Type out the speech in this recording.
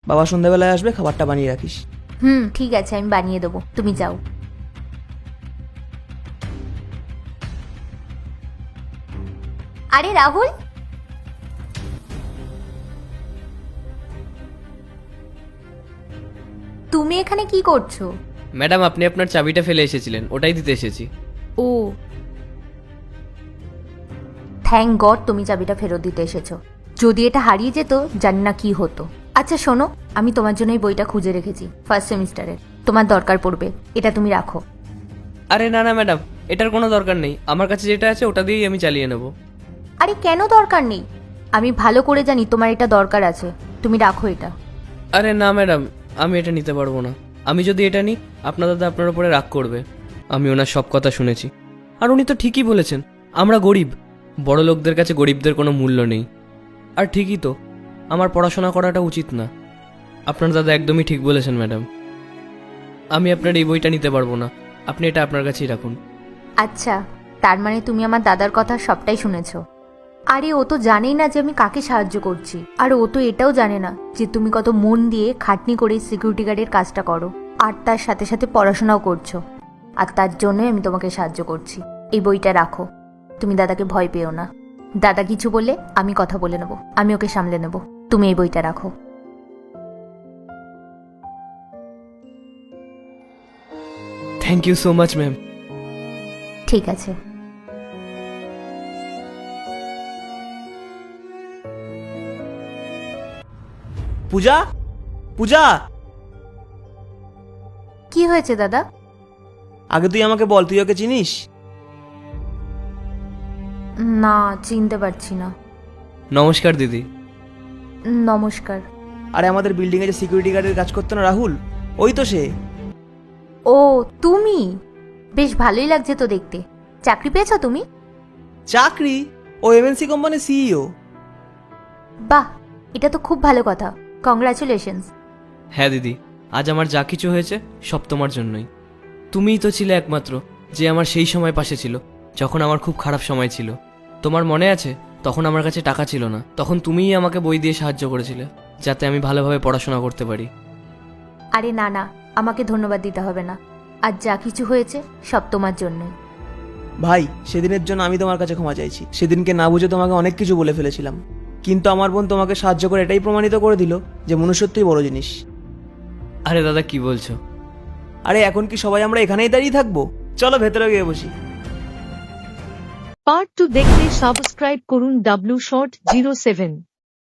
বাবা সন্ধ্যাবেলায় আসবে, খাবারটা বানিয়ে রাখিস। ঠিক আছে, আমি বানিয়ে দেবো, তুমি যাও। আরে রাহুল, তুমি এখানে কি করছো? ম্যাডাম, আপনি আপনার চাবিটা ফেলে এসেছিলেন, ওটাই দিতে এসেছি। ও, থ্যাংক গড তুমি চাবিটা ফেরত দিতে এসেছো। যদি এটা হারিয়ে যেত জানি না কি হতো। আচ্ছা শোনো, আমি তোমার জন্য এই বইটা খুঁজে রেখেছি, ফার্স্ট সেমিস্টারের, তোমার দরকার পড়বে, এটা তুমি রাখো। আরে না না ম্যাডাম, এটার কোনো দরকার নেই, আমার কাছে যেটা আছে ওটা দিয়েই আমি চালিয়ে নেব। আরে কেন দরকার নেই? আমি ভালো করে জানি তোমার এটা দরকার আছে, তুমি রাখো এটা। আরে না ম্যাডাম, আমি এটা নিতে পারবো না। আমি যদি এটা নিই আপনার দাদা আপনার উপরে রাগ করবে। আমি ওনার সব কথা শুনেছি, আর উনি তো ঠিকই বলেছেন, আমরা গরিব, বড় লোকদের কাছে গরিবদের কোনো মূল্য নেই। আর ঠিকই তো, আমার পড়াশোনা করাটা উচিত না। আপনার দাদা একদমই ঠিক বলেছেন ম্যাডাম, আমি আপনার এই বইটা নিতে পারবো না, আপনি এটা আপনার কাছেই রাখুন। আচ্ছা, তার মানে তুমি আমার দাদার কথা সবটাই শুনেছো। আরে ও তো জানেই না যে আমি কাকে সাহায্য করছি, আর ও তো এটাও জানে না যে তুমি কত মন দিয়ে খাটনি করে সিকিউরিটি গার্ডের কাজটা করো, আর তার সাথে সাথে পড়াশোনাও করছো। আর তার জন্যই আমি তোমাকে সাহায্য করছি। এই বইটা রাখো, তুমি দাদাকে ভয় পেও না। দাদা কিছু বললে আমি কথা বলে নেবো, আমি ওকে সামলে নেবো। তুমি এই বইটা রাখো। Thank you so much ma'am. ঠিক আছে। পূজা, পূজা, কি হয়েছে দাদা? আগে তুই আমাকে বল, তুই ওকে চিনিস? না, চিনতে পারছি না। নমস্কার দিদি। নমস্কার। আরে আমাদের বিল্ডিংয়ে যে সিকিউরিটি গার্ডের কাজ করতো না রাহুল, ওই তো সে। ও তুমি, বেশ ভালোই লাগছে তো দেখতে। চাকরি পেয়েছো তুমি? চাকরি? ও এমএনসি কোম্পানির সিইও। বাহ, এটা তো খুব ভালো কথা, কংগ্রাচুলেশনস। হ্যাঁ দিদি, আজ আমার যা কিছু হয়েছে সব তোমার জন্যই। তুমিই তো ছিলে একমাত্র যে আমার সেই সময় পাশে ছিল, যখন আমার খুব খারাপ সময় ছিল। তোমার মনে আছে, তখন আমার কাছে টাকা ছিল না, তখন তুমিই আমাকে বই দিয়ে সাহায্য করেছিলে, যাতে আমি ভালোভাবে পড়াশোনা করতে পারি। আরে না না, আমাকে ধন্যবাদ দিতে হবে না, আর যা কিছু হয়েছে সব তোমার জন্যই। ভাই, সেদিনের জন্য আমি তোমার কাছে ক্ষমা চাইছি। সেদিনকে না বুঝে তোমাকে অনেক কিছু বলে ফেলেছিলাম, কিন্তু আমার বোন তোমাকে সাহায্য করে এটাই প্রমাণিত করে দিল যে মনুষ্যত্বই বড় জিনিস। আরে দাদা, কি বলছো? আরে এখন কি সবাই আমরা এখানেই দাঁড়িয়ে থাকবো? চলো ভেতরে গিয়ে বসি। পার্ট 2 দেখতে সাবস্ক্রাইব করুন W Short 07।